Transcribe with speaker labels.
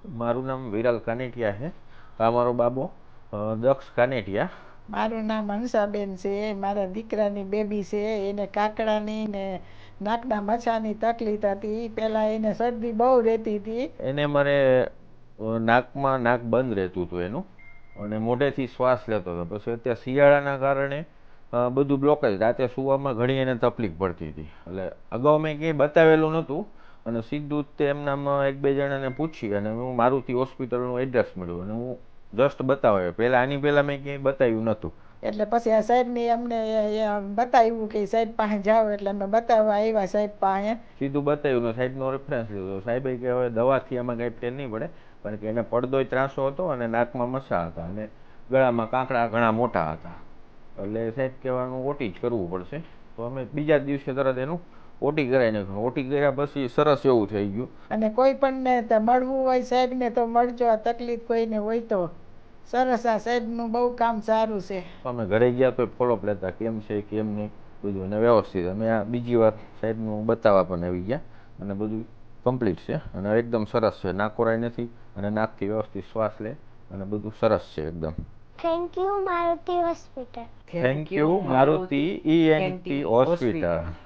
Speaker 1: મારું નામ વિરલ કાનેટિયા છે. આ મારો બાબો દક્ષ કાનેટિયા.
Speaker 2: મારું નામ હંસાબેન છે. મારા દીકરાની બેબી છે. એને કાકડાની ને નાકના મચ્છાની તકલીફ હતી. પહેલાં એને શરદી બહુ રહેતી હતી.
Speaker 1: એને મારે નાકમાં નાક બંધ રહેતું હતું એનું, અને મોઢેથી શ્વાસ લેતો હતો. પછી અત્યારે શિયાળાના કારણે બધું બ્લોકેજ, રાતે સૂવામાં ઘણી એને તકલીફ પડતી હતી. એટલે અગાઉ મેં ક્યાંય બતાવેલું નહોતું, અને સીધું તે એમનામાં એક બે જણાને પૂછી અને હું મારુતિ હોસ્પિટલનું એડ્રેસ મળ્યું અને હું જસ્ટ બતાવ્યો. પહેલાં આની પહેલાં મેં ક્યાંય બતાવ્યું નહોતું.
Speaker 2: એટલે પછી આ સાહેબને અમને બતાવ્યું કે સાહેબ પાસે જાઓ, એટલે અમે બતાવવા આવ્યા સાહેબ પાસે.
Speaker 1: સીધું બતાવ્યું ને સાહેબનો રેફરન્સ લીધો. સાહેબે કે હવે દવાથી આમાં કાંઈ ફેર નહીં પડે, કારણ કે એને પડદોય ત્રાસો હતો અને નાકમાં મસા હતા અને ગળામાં કાંકડા ઘણા મોટા હતા. એટલે સાહેબ કહેવાનું ઓટી જ કરવું પડશે. તો અમે બીજા દિવસે તરત એનું ઓટી કરાવી નાખ્યું. ઓટી કર્યા પછી સરસ એવું થઈ ગયું.
Speaker 2: અને કોઈ પણને મળવું હોય સાહેબને તો મળજો. આ તકલીફ કોઈને હોય તો સરસ. આ સાહેબનું બહુ કામ સારું છે.
Speaker 1: અમે ઘરે ગયા તો ફોલોઅપ લેતા કેમ છે કેમ નહીં બધું, અને વ્યવસ્થિત. અમે આ બીજી વાર સાહેબનું બતાવવા પણ આવી ગયા અને બધું કમ્પ્લીટ છે અને એકદમ સરસ છે. નાકોરાય નથી અને નાકથી વ્યવસ્થિત શ્વાસ લે અને બધું સરસ છે એકદમ.
Speaker 3: Thank you Maruti hospital.
Speaker 1: Thank you Maruti ENT hospital.